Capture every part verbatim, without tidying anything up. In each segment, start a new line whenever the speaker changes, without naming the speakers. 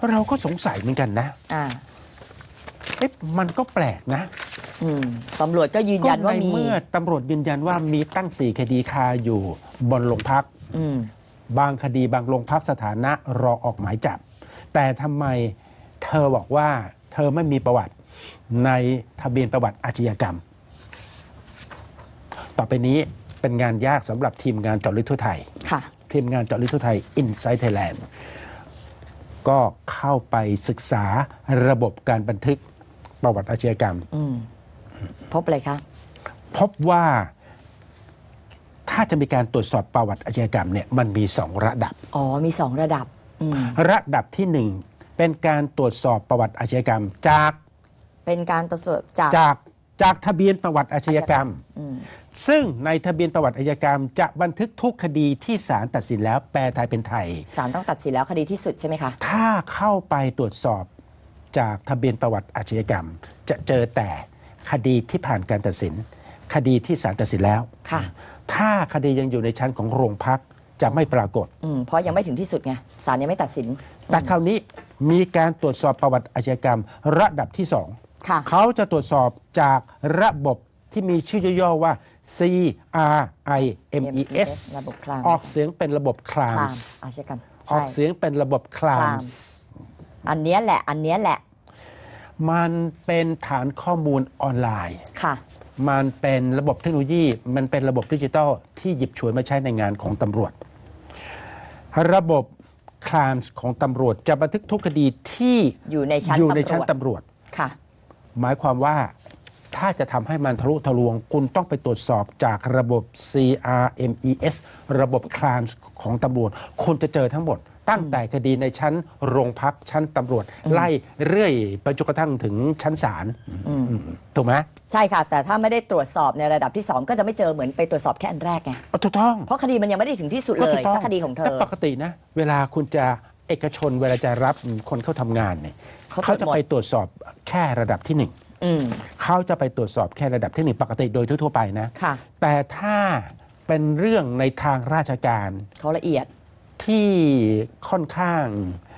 เราก็สงสัยเหมือนกันนะ
อ่า
เอ๊ะมันก็แปลกนะ
อืมตำรวจก็ยืนยันว่ามี
เมื่อตำรวจยืนยันว่ามีตั้งสี่คดีคาอยู่บนโรงพัก
อืม
บางคดีบางโรงพักสถานะรอออกหมายจับแต่ทำไมเธอบอกว่าเธอไม่มีประวัติในทะเบียนประวัติอาชญากรรมต่อไปนี้เป็นงานยากสำหรับทีมงานเจาะลึกทั่วไทย
ค่ะ
ทีมงานเจาะลึกทั่วไทย Inside Thailand ก็เข้าไปศึกษาระบบการบันทึกประวัติอาชญากรรม
พบอะไรคะ
พบว่าถ้าจะมีการตรวจสอบประวัติอาชญากรรมเนี่ยมันมีสองระดับ
อ๋อมีสองระดับ
ระดับที่หนึ่งเป็นการตรวจสอบประวัติอาชญากรรมจาก
เป็นการตรวจสอบจาก
จากจากทะเบียนประวัติอาชญากรรมซึ่งในทะเบียนประวัติอาชญากรรมจะบันทึกทุกคดีที่ศาลตัดสินแล้วแปลไทยเป็นไทย
ศาลต้องตัดสินแล้วคดีที่สุดใช่ไหมคะ
ถ้าเข้าไปตรวจสอบจากทะเบียนประวัติอาชญากรรมจะเจอแต่คดีที่ผ่านการตัดสินคดีที่ศาลตัดสินแล้ว
ค่ะ
ถ้าคดียังอยู่ในชั้นของโรงพักจะไม่ปรากฏ
เพราะยังไม่ถึงที่สุดไงศาลยังไม่ตัดสิน
แต่คราวนี้มีการตรวจสอบประวัติอาชญากรรมระดับที่สองเขาจะตรวจสอบจากระบบที่มีชื่อย่อๆว่า ซี อาร์ ไอ เอ็ม อี เอส ออกเสียงเป็นระบบคลามส์
อาชญากรรม
ออกเสียงเป็นระบบคลามส์
อันนี้แหละอันนี้แหละ
มันเป็นฐานข้อมูลออนไลน์
ค่ะ
มันเป็นระบบเทคโนโลยีมันเป็นระบบดิจิทัลที่หยิบฉวยมาใช้ในงานของตำรวจระบบคลามส์ของตำรวจจะบันทึกทุกคดีที่
อยู่ในชั้น
อยู่ในชั้นตำรวจ
ค่ะ
หมายความว่าถ้าจะทำให้มันทะลุทะลวงคุณต้องไปตรวจสอบจากระบบ ซี อาร์ เอ็ม อี เอส ระบบคลามส์ของตำรวจคุณจะเจอทั้งหมดตั้งแต่คดีในชั้นโรงพักชั้นตำรวจไล่เรื่อยไปจนกระทั่งถึงชั้นศาลถูกไหม
ใช่ค่ะแต่ถ้าไม่ได้ตรวจสอบในระดับที่สองก็จะไม่เจอเหมือนไปตรวจสอบแค่อันแรกไง
ถูกต้อง
เพราะคดีมันยังไม่ได้ถึงที่สุดเลยสักคดีของเธอ
ปกตินะเวลาคุณจะเอกชนเวลาจะรับคนเข้าทำงานเนี่ยเขาจะไปตรวจสอบแค่ระดับที่หนึ่งเขาจะไปตรวจสอบแค่ระดับที่หนึ่งปกติโดยทั่วไปนะแต่ถ้าเป็นเรื่องในทางราชการ
เขาละเอียด
ที่ค่อนข้าง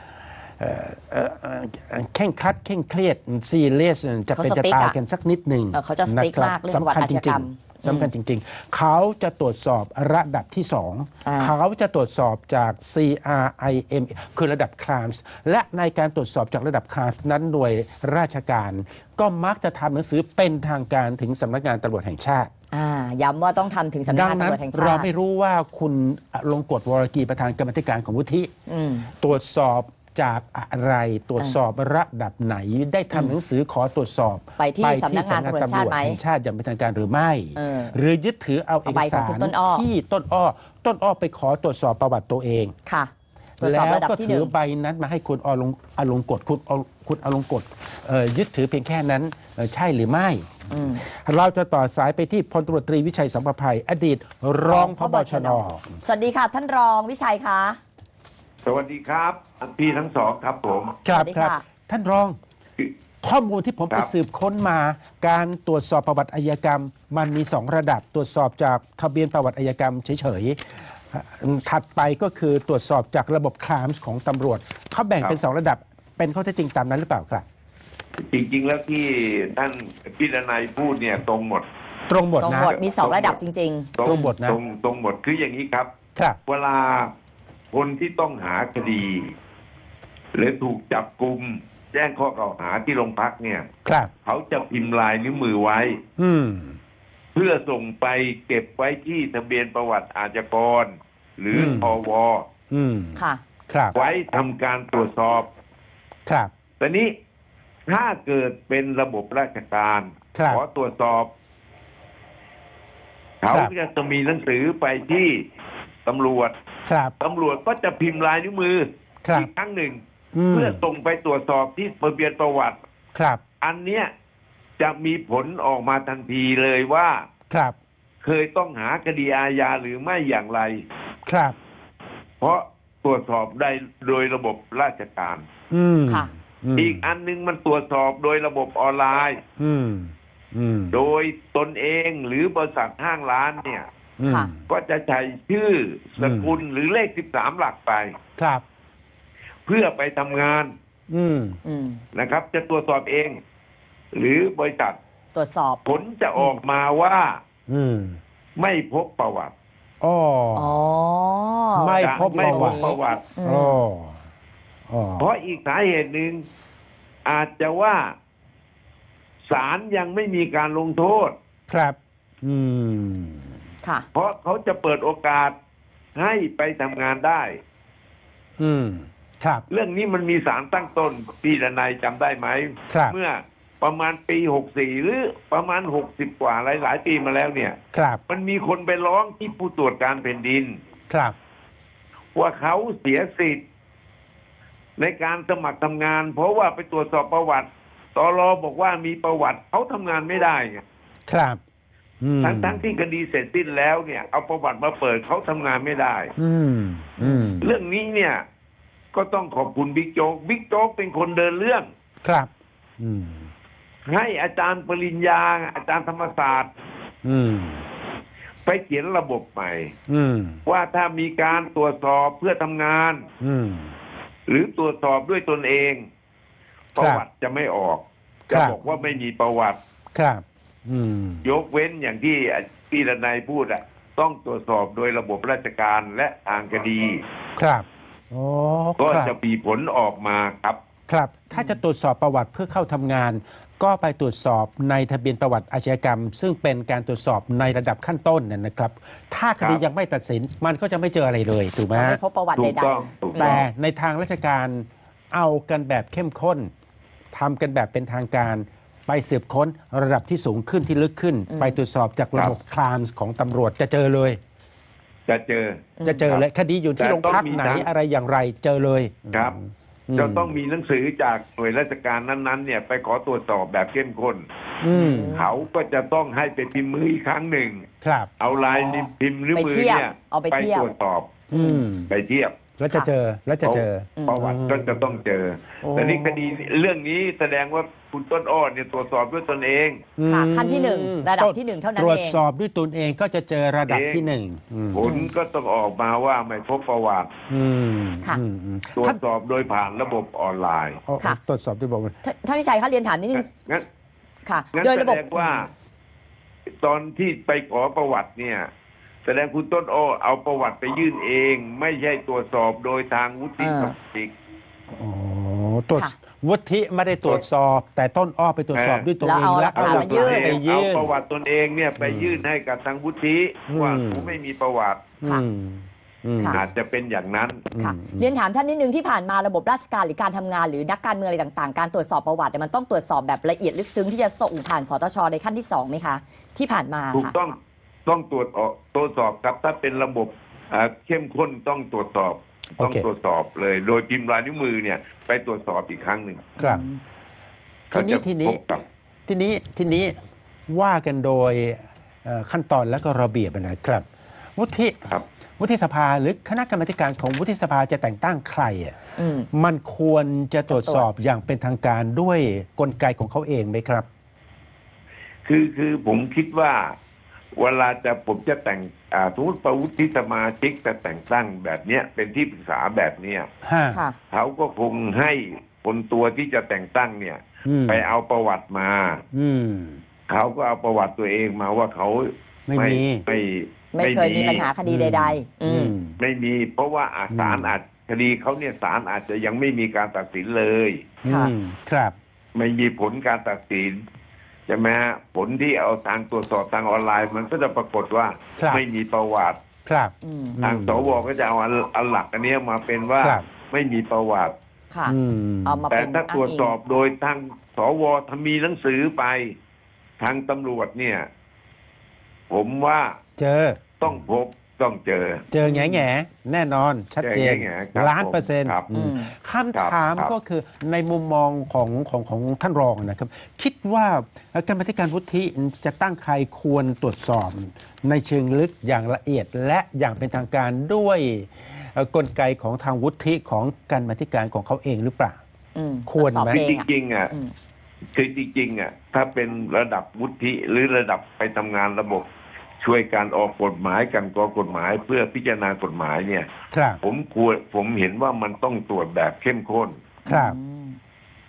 เข่งครัดเข่งเครียดซีเรียสจะเป็นจะตายกันสักนิดหนึ่ง
เขาจะสติ๊กมากเรื่องประวัติอาชญากรรม
สำคัญจริงๆเขาจะตรวจสอบระดับที่สองเขาจะตรวจสอบจาก ซี อาร์ ไอ เอ็ม คือระดับคลามส์และในการตรวจสอบจากระดับคลามส์นั้นหน่วยราชการก็มักจะทำหนังสือเป็นทางการถึงสำนักงานตำรวจแห่งชาติ
ย้ำว่าต้องทำถึงสำนักงานตำรวจแห่งชาติ
เราไม่รู้ว่าคุณลงกฎวรกีประธานกรรมธิการของวุฒิตรวจสอบจากอะไรตรวจสอบระดับไหนได้ทำหนังสือขอตรวจสอบ
ไปที่สำนักงานตำรวจแห่
งชาติอย่างเป็นทางการหรือไม่หรือยึดถือเอาเอกสารที่ต้นอ้อต้นอ้อไปขอตรวจสอบประวัติตัวเอง
ค่ะ
แล้วก็ถือใบนั้นมาให้คุณอลงอลงกฎคุณคุณอลงกฎยึดถือเพียงแค่นั้นใช่หรือไม่เราจะต่อสายไปที่พลตำรวจตรีวิชัยสัมภภัยอดีตรองผบ.ชน.
สวัสดีค่ะท่านรองวิชัยคะ
สวัสดีครับพี่ทั้งสองครับผม
ครับครับท่านรองข้อมูลที่ผมไปสืบค้นมาการตรวจสอบประวัติอัยกรรมมันมีสองระดับตรวจสอบจากทะเบียนประวัติอัยกรรมเฉยๆถัดไปก็คือตรวจสอบจากระบบคลามส์ของตำรวจเขาแบ่งเป็นสองระดับเป็นข้อเท็จจริงตามนั้นหรือเปล่าครับ
จริงๆแล้วที่ท่านพี่ดนัยพูดเนี่ยตรงหมด
ตรงหมดนะ
มีสองระดับจริง
ๆตรงหมดนะ
ตรงตรงหมดคืออย่างนี้ครับเวลาคนที่ต้องหาคดีหรือถูกจับกุมแจ้งข้อกล่าวหาที่โรงพักเนี่ยเขาจะพิมพ์ลายนิ้วมือไว้เพื่อส่งไปเก็บไว้ที่ทะเบียนประวัติอาชญากรหรือพว
ค่ะ
ไว้ทำการตรวจสอบ
ครับ
ตอนนี้ถ้าเกิดเป็นระบบราชการขอตรวจสอบเขาจะมีหนังสือไปที่ตำรวจตำรวจก็จะพิมพ์ลายนิ้วมืออีกครั้งหนึ่งเพื่อส่งไปตรวจสอบที่ทะเบียนประวัติ
ครับ
อันเนี้ยจะมีผลออกมาทันทีเลยว่า
ครับ
เคยต้องหาคดีอาญาหรือไม่อย่างไร
ครับ
เพราะตรวจสอบได้โดยระบบราชการ
ค่ะ
อีกอันนึงมันตรวจสอบโดยระบบออนไลน์โดยตนเองหรือบริษัทห้างร้านเนี่ยก็จะใช้ชื่อสกุลหรือเลขสิบสามหลักไป
ครับ
เพื่อไปทำงาน
อืม
อืม
นะครับ จะตรวจสอบเอง หรือบริษัท
ตรวจสอบ
ผลจะออกมาว่า
อืม
ไม่พบประวัติ
อ๋อ
อ๋อ
ไม่
จะ
พบ
ไม่
ประ
พ
วั
บ
ติ
ประวัติ
อืม
อ๋ออ๋อ
เพราะอีกสาเหตุหนึ่งอาจจะว่าศาลยังไม่มีการลงโทษ
ครับ อืม
ค่ะ
เพราะเขาจะเปิดโอกาสให้ไปทำงานได้
อืม ครับ
เรื่องนี้มันมีสารตั้งต้นพี่ดนัยจำได้ไหม
ครับ
เมื่อประมาณปีหกสี่หรือประมาณหกสิบกว่าหลายหลายๆปีมาแล้วเนี่ย
ครับ
มันมีคนไปร้องที่ผู้ตรวจการแผ่นดิน
ครับ
ว่าเขาเสียสิทธิ์ในการสมัครทำงาน เพราะว่าไปตรวจสอบประวัติตรบอกว่ามีประวัติเขาทำงานไม่ได้ไง
ครับ อืม
ทั้งทั้งที่คดีเสร็จสิ้นแล้วเนี่ยเอาประวัติมาเปิดเขาทำงานไม่ได้
อืม อืม
เรื่องนี้เนี่ย ก็ต้องขอบคุณบิ๊กโจ๊กบิ๊กโจ๊กเป็นคนเดินเรื่อง
ครับ อืม
ให้อาจารย์ปริญญา อาจารย์ธรรมศาสตร์
อืม
ไปเขียนระบบใหม่
อืม
ว่าถ้ามีการตรวจสอบเพื่อทำงาน
อืม
หรือตรวจสอบด้วยตนเอง
ครับ
ประวัติจะไม่ออก
ครั
จะ
บ
บอกว่าไม่มีประวัติ
ครับ อืม
ยกเว้นอย่างที่พี่ดนัยพูดอะต้องตรวจสอบโดยระบบราชการและทางคดี
ครับโอ้
ก็
ครับ
จะมีผลออกมาครับ
ครับ ถ้าจะตรวจสอบประวัติเพื่อเข้าทำงาน ก็ไปตรวจสอบในทะเบียนประวัติอาชญากรรม ซึ่งเป็นการตรวจสอบในระดับขั้นต้นน่ะนะครับ ถ้าคดี
ครับ
ยังไม่ตัดสิน มันก็จะไม่เจออะไรเลยถูกไหม
จะ
ฮะ
ไม่พบประวัติ
ถู
ใด
กต้องถูก
ๆ
ต้
แต่
อง
ในทางราชการเอากันแบบเข้มข้นทำกันแบบเป็นทางการ ไปสืบค้นระดับที่สูงขึ้นที่ลึกขึ้น ไปตรวจสอบจากระบบคลามส์ของตำรวจจะเจอเลย
จะเจอ
จะเจอเลยคดีอยู่ที่
แต่
โรงพัก
ต้องมี
ไหน
ทาง
อะไรอย่างไรเจอเลย
ครับ
อืม
จะต้องมีหนังสือจากหน่วยราชการนั้นๆ เนี่ย ไปขอตรวจสอบแบบเข้มข้น
อืม
เขาก็จะต้องให้ไปพิมพ์มืออีกครั้งหนึ่ง
ครับ
เอาลายนิ้วพิมพ์นิ้วมือ
ไปเทียบ
เนี่ย
เอาไปเทียบ
ตรวจสอบ
อืม
ไปเทียบ
แล้วจะเจอแล้วจะเจอ
ประวัติก็จะต้องเจอ
โอ้
แต่นี่คดีเรื่องนี้แสดงว่าคุณต้นอ้อเนี่ยตรวจสอบด้วยตนเอง
ค่ะ
อืม
ขั้นที่หนึ่งระดับที่หนึ่งเท่านั้น
ตรวจ
เอง
สอบด้วยตนเองก็จะเจอระดับ
เอง
ที่หนึ่งอืม
ผลก็ต้องออกมาว่าไม่พบประวัติ
อืม
ค่ะ
อืมอืม
ตรว
ท่า
จ
น
สอบโดยผ่านระบบออนไลน์
อ๋อ
ค่ะ
ตรวจสอบด้วยบอกว่า
ท่านท่านวิชัยคะเรียนถามนิดนึง
งั้น
ค่ะ
งั้น
โดย
แส
ระบบ
ดงว่า ตอนที่ไปขอประวัติเนี่ย แสดงคุณต้นอ้อเอาประวัติไปยื่นเอง ไม่ใช่ตรวจสอบโดยทางวุฒิสมาชิก
อ๋อตรวจ
ค่ะ
วุฒิไม่ได้ตรวจสอบ แต่ต้นอ้อไปตรวจสอบ
เออ
ด้วยตัว
แล้ว
เอง
เอา
และ
หลักฐาน
หลั
มายื่น
ไป
เอา
ยื่น
ประวัติตนเองเนี่ยไปยื่นให้กับทางวุฒิ
อืม
ว่าผมไม่มีประวัติ
ค่ะ
อืมอืม
ค่ะ
อาจจะเป็นอย่างนั้น
ค่ะ
อืม
เรียนถามท่านนิดนึงที่ผ่านมาระบบราชการหรือการทำงานหรือนักการเมืองอะไรต่างๆ การตรวจสอบประวัติเนี่ยมันต้องตรวจสอบแบบละเอียดลึกซึ้งที่จะส่งผ่านสตชในขั้นที่สองไหมคะ ที่ผ่านมา
ถูก
ค่ะ
ต้องต้องตรวจออกตรวจสอบครับ ถ้าเป็นระบบอ่าเข้มข้นต้องตรวจสอบ ต้อง
โอเค
ตรวจสอบเลย โดยพิมพ์ลายนิ้วมือเนี่ย ไปตรวจสอบอีกครั้งหนึ่ง
ครับที
เขา
นี้
จะ
ทีนี้
พบกับ
ทีนี้ทีนี้ว่ากันโดยเอ่อขั้นตอนและก็ระเบียบนะครับ วุฒิ
ครับ
วุฒิสภาหรือคณะกรรมาธิการของวุฒิสภาจะแต่งตั้งใครอ่ะ
อืม
มันควรจะตรวจสอบอย่างเป็นทางการด้วยกลไกของเขาเองไหมครับ
คือคือผมคิดว่า เวลาจะผมจะแต่งอ่าสมมติประวุฒิสมาชิกจะแต่งตั้งแบบเนี้ยเป็นที่ปรึกษาแบบเนี้ย
ฮะ
ค่ะ
เขาก็คงให้คนตัวที่จะแต่งตั้งเนี่ย
อืม
ไปเอาประวัติมา
อืม
เขาก็เอาประวัติตัวเองมาว่าเขา
ไม่มี
ไม่
ไม่เคยมีปัญหาคดีใด ๆ อืม
ไม่มี เพราะว่าอาจศาลอาจคดีเขาเนี่ยศาลอาจจะยังไม่มีการตัดสินเลย
ค่ะ
อืมครับ
ไม่มีผลการตัดสินใช่ไหมฮะผลที่เอาทางตรวจสอบทางออนไลน์ มันก็จะปรากฏว่า
ครับ
ไม่มีประวัติ
ครับ
อืม
ทางสวก็จะเอาอันอันหลักอันเนี้ยมาเป็นว่า
ครับ
ไม่มีประวัติ
ค่ะ
อืม
เอามา
แต่
เป็น
ถ้าตรวจสอบ
งอิ
โดยทางสวทำมีหนังสือไป ทางตำรวจเนี่ย ผมว่า
เจอ
ต้องพบต้องเจอ
เจอแง่แง่แน่นอนชัดเจน
เจอแง่ๆครับ
ล้านเปอร์เซ็นต์
ครับ
อืม
อืม
คำถาม
ครับ
ก็คือในมุมมองของของของท่านรองนะครับ คิดว่ากรรมาธิการวุฒิจะตั้งใครควรตรวจสอบ ในเชิงลึกอย่างละเอียดและอย่างเป็นทางการด้วยเอ่อกลไกของทางวุฒิของกรรมาธิการของเขาเองหรือเปล่า
อืม
ควรไหม
ตอสอบ
คือ
เอ
จ
งอะ
ริงๆอ่ะ
อืม
คือจริงๆอ่ะถ้าเป็นระดับวุฒิหรือระดับไปทำงานระบบ ช่วยการออกกฎหมายกันกรองกฎหมายเพื่อพิจารณากฎหมายเนี่ย
ครับ
ผมควรผมเห็นว่ามันต้องตรวจแบบเข้มข้น
ครับ
อืม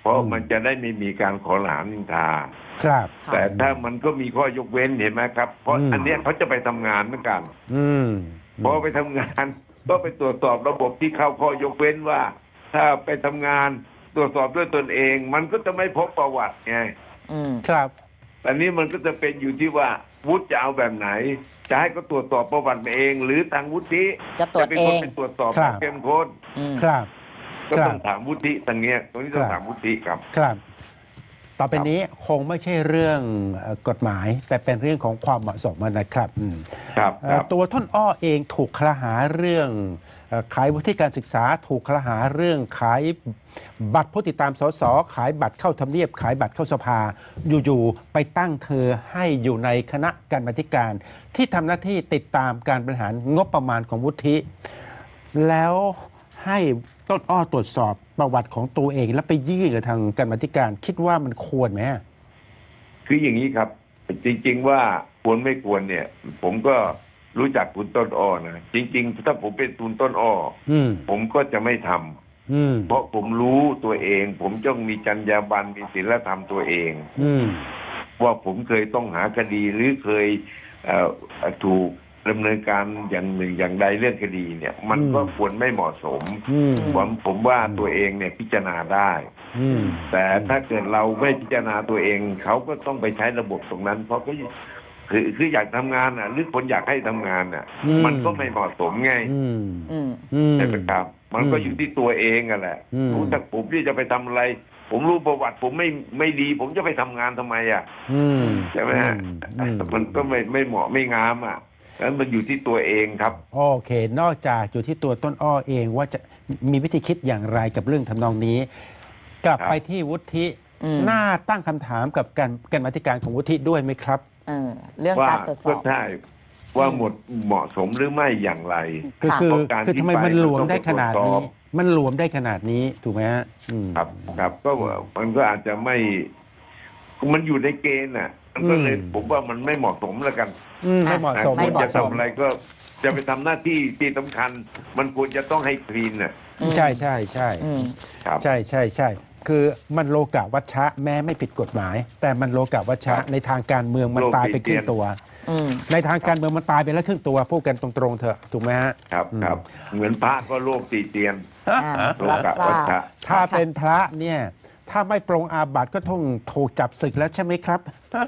ราะ
อืม
มันจะได้ไม่มีการขอหลานนินทา
ครับ
ค่ะ
แต่ถ้ามันก็มีข้อยกเว้นเห็นไหมครับ เพราะ
อืม
อันเนี้ยเขาจะไปทำงานเหมือนกัน
อืม
พอไปทำงาน ก็ไปตรวจสอบระบบที่เข้าข้อยกเว้นว่า ถ้าไปทำงานตรวจสอบด้วยตนเอง มันก็จะไม่พบประวัติไง
อืม
ครับ
อันนี้มันก็จะเป็นอยู่ที่ว่าวุฒิจะเอาแบบไหน จะให้เขาตรวจสอบประวัติมาเอง หรือทางวุฒิ
จะตรวจ
เป็น
เอ
คน
ง
ไปตรวจสอบ
ครับ
เข้มข้น
อืม
ครับ
ก็
ครั
ต้อบ งถามวุฒิทางเนี้ยตรงนี้ต้อง
ครับ
ถามวุฒิครับ
ครับ ต่อไปนี้คงไม่ใช่เรื่องเอ่อกฎหมาย แต่เป็นเรื่องของความเหมาะสมนะครับอืม
ครับ
เอ่
ค
อ
รับ
ตัวท่านอ้อเองถูกคลหาเรื่องเอ่อขายวุฒิการศึกษา ถูกคลหาเรื่องขายบัตรผู้ติดตามสสขายบัตรเข้าทำเนียบ ขายบัตรเข้าสภา อยู่ๆไปตั้งเธอให้อยู่ในคณะกรรมาธิการ ที่ทำหน้าที่ติดตามการบริหารงบประมาณของวุฒิ แล้วให้ต้นอ้อตรวจสอบประวัติของตัวเอง แล้วไปยื่นกับทางกรรมาธิการ คิดว่ามันควรไหม
คืออย่างนี้ครับ จริง ๆ ว่าควรไม่ควรเนี่ย ผมก็รู้จักคุณต้นอ้อนะจริง ๆ ถ้าผมเป็นคุณต้นอ้อ
อืม
ผมก็จะไม่ทำ
อืม
เพราะผมรู้ตัวเอง ผมต้องมีจรรยาบรรณมีศีลธรรมตัวเอง
อืม
ว่าผมเคยต้องหาคดีหรือเคยเอ่อถูกดำเนินการอย่างหนึ่งอย่างใดเรื่องคดีเนี่ย มัน
อืม
ก็ควรไม่เหมาะสม
อืม
ผมผมว่าตัวเองเนี่ยพิจารณาได้
อืม
แต่ถ้าเกิดเราไม่พิจารณาตัวเอง เขาก็ต้องไปใช้ระบบตรงนั้น เพราะก็คือคืออยากทำงานอ่ะ หรือคนอยากให้ทำงานอ่ะ
อืม
มันก็ไม่เหมาะสมไง
อืม
อืม
อืม
ใช่ไหมครับ มันก็อยู่ที่ตัวเองอ่ะแหละ
อืม
รู้จักผมที่จะไปทำอะไร ผมรู้ประวัติ ผมไม่ไม่ดี ผมจะไปทำงานทำไมอ่ะ
อืม
ใช่ไหมฮะ
อืม
มันก็ไม่ไม่เหมาะไม่งามอ่ะนั้นมันอยู่ที่ตัวเองครับ
โอเค นอกจากอยู่ที่ตัวต้นอ้อเองว่าจะมีวิธีคิดอย่างไรกับเรื่องทำนองนี้ กลับ
ครับ
ไปที่วุฒิ
อืม
น่าตั้งคำถามกับการการมาธิการของวุฒิด้วยไหมครับ
เออเรื่อง
ว่า
การตรวจส
ก็
อบ
ใช่ว่าหมดเหมาะสมหรือไม่อย่างไร
คือ
ค่ะ
คือ
เพราะการ
คือทำไม
ที่ไป
มันหลวม
มันต้อง
ได้ขนาด
ตรวจส
นี้
อบ
มันหลวมได้ขนาดนี้ถูกไหมฮะอืม
ครับ ครับ ก็มันก็อาจจะไม่ มันอยู่ในเกณฑ์น่ะ มันก็เลย
อืม
ผมว่ามันไม่เหมาะสมแล้วกัน
อืมไม่เหมาะสม
ไม่
คุณ
เหมาะ
จะ
สม
ทำอะไรก็จะไปทำหน้าที่ที่สำคัญ มันควรจะต้องให้คลีนน่ะ
อืม
ใช่ใช่ใช่
อืม
ครับ
ใช่ใช่ใช่คือมันโลกาวัชชะแม้ไม่ผิดกฎหมาย แต่มันโลกาวัชชะ
ครับ
ในทางการเมืองมัน
โลก
ตายไป
ติ
ครึ่ง
เตียน
ตัว
อืม
ในทางการเมืองมันตายไปแล้วครึ่งตัวพูดกันตรงๆเถอะถูกไหมฮะ
ครับ ครับ เหมือนพระก็โลกตีเตียน
อ่า
โล
รับ
กะ
ทรา
วัช
บ
ชะ
ถ้าเป็นพระเนี่ยถ้าไม่ปรงอาบัติก็ต้องถูกจับศึกแล้วใช่ไหมครับ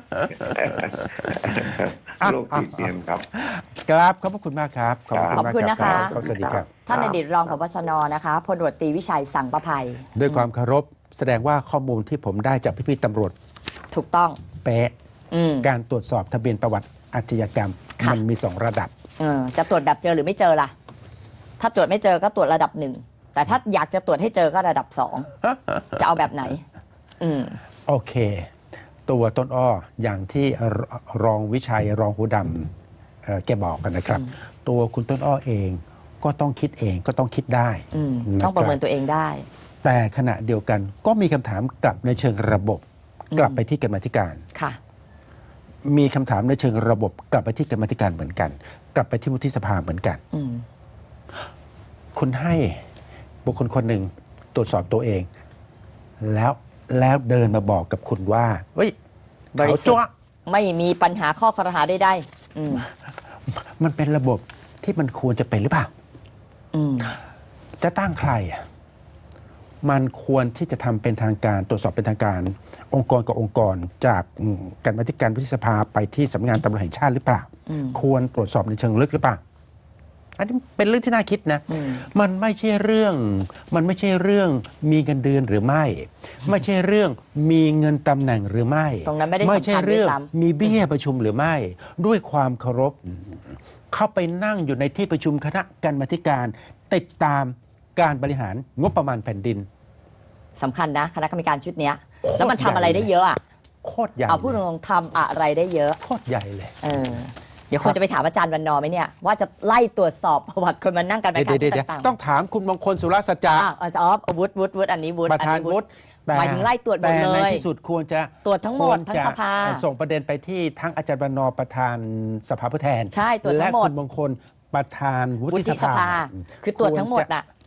โลกตีเตียนครับ
ครับขอบพระคุณมากครับ
ขอบคุณ
มาก
นะคะ
รับสวัสดีครับ
ท่านอดีตรองผบชนนะคะพลตำรวจตรีวิชัยสังประภัย
ด้วยความเคารพแสดงว่าข้อมูลที่ผมได้จากพี่ๆตำรวจ
ถูกต้อง
เป๊ะ
อืม
การตรวจสอบทะเบียนประวัติอาชญากรรม
ค่ะ
มันมีสองระดับ
เออจะตรวจแบบเจอหรือไม่เจอล่ะ ถ้าตรวจไม่เจอก็ตรวจระดับหนึ่ง แต่ถ้าอยากจะตรวจให้เจอก็ระดับสอง จะเอาแบบไหน อืม
โอเค ตัวต้นอ้ออย่างที่รรองวิชัยรองหูดำเอ่อแกบอกกันนะครับ ตัวคุณต้นอ้อเองก็ต้องคิดเองก็ต้องคิดได้
อืม
นคบ
ต้องประเมินตัวเองได้
แต่ขณะเดียวกันก็มีคำถามกลับในเชิงระบบ
อืม
กลับไปที่กรรมาธิการ
ค่ะ
มีคำถามในเชิงระบบ กลับไปที่กรรมาธิการเหมือนกัน กลับไปที่วุฒิสภาเหมือนกัน
อืม
คุณให้บุคคลคนหนึ่งตรวจสอบตัวเอง แล้วแล้วเดินมาบอกกับคุณว่าเฮ้ย
บริ
เขา
สุท
จ้ว
ธิ์ไม่มีปัญหาข้อคอรหาใดๆอืม
มันเป็นระบบที่มันควรจะเป็นหรือเปล่า
อืม
จะตั้งใครอ่ะมันควรที่จะทำเป็นทางการตรวจสอบเป็นทางการ องค์กรกับองค์กร จากอืมการบัญการวุฒิสภาไปที่สำนักงานตำรวจแห่งชาติหรือเปล่า
อืม
ควรตรวจสอบในเชิงลึกหรือเปล่า อันนี้เป็นเรื่องที่น่าคิดนะ
อืม
มันไม่ใช่เรื่อง มันไม่ใช่เรื่องมีเงินเดือนหรือไม่ ไม่ใช่เรื่องมีเงินตำแหน่งหรือไม่
ตรงนั้นไม่ได้สำคัญ
ไม่ใช่เรื่อง
ด้วยซ้ำ
มีเบี้ยประชุมหรือไม่ ด้วยความเคารพ เข้าไปนั่งอยู่ในที่ประชุมคณะกรรมาธิการ ติดตามการบริหารงบประมาณแผ่นดิน
สำคัญนะ คณะกรรมการชุดเนี้ย
โคตร
แล้วมันทำอะไรได้เยอะอะ
โคตรใหญ่
เอาพูดตรงๆทำอะไรได้เยอะ
โคตรใหญ่เลย
เออ เดี๋ยวคนจะไปถามอาจารย์วันนอร์ไหมเนี่ย ว่าจะไล่ตรวจสอบประวัติคนมานั่งกันรายการ
เดี๋ยว
ชุด
เดี๋ยว
ต่างๆ
ต้องถามคุณมงคลสุรสัจจะ
อ่ะอาจารย์อ๋อวุฒิวุฒิวุฒิอันนี้วุฒิ
ประธาน
อั
วุฒิแต่
หมายถึงไล่ตรวจหมด
แต่
เล
ใน
ย
ที่สุดควรจะ
ตรวจทั้งหมด
ควร
ทั้ง
จะ
สภา
ส่งประเด็นไปที่ทั้งอาจารย์บรรณอประธานสภาผู้แทน
ใช่ตรวจทั้งหมด
และคุณมงคลประธานวุ
วุ
ฒิ
ฒิ
ส
ส
ภา
ภา คือตรวจทั้งหมด
ควรจะ
น่ะ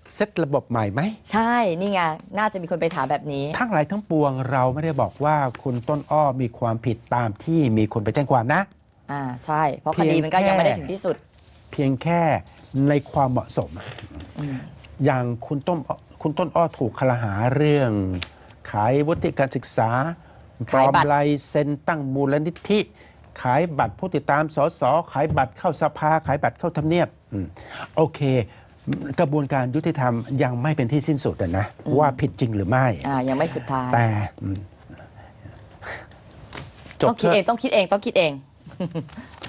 เซตระบบใหม่ไหม
ใช่ นี่ไง น่าจะมีคนไปถามแบบนี้
ทั้งหลายทั้งปวงเราไม่ได้บอกว่าคุณต้นอ้อมีความผิดตามที่มีคนไปแจ้งความนะ
อ่า ใช่ เพราะคดีมันก็ยังไม่ได้ถึงที่สุด
เพียงแค่ในความเหมาะสม อย่างคุณต้นคุณต้นอ้อถูกคลหาเรื่อง ขายวุฒิการศึกษาปล
ขาย
อม
บัตร
ลายเซ็นตั้งมูลนิธิ ขายบัตรผู้ติดตามสสขายบัตรเข้าสภา ขายบัตรเข้าทำเนียบอืมโอเค กระบวนการยุติธรรมยังไม่เป็นที่สิ้นสุดอะนะว่าผิดจริงหรือไม่
อ่า ยังไม่สุดท้าย
แต่อืมจ
ต้องคิด
ถะ
เอง ต้องคิดเอง ต้องคิดเอง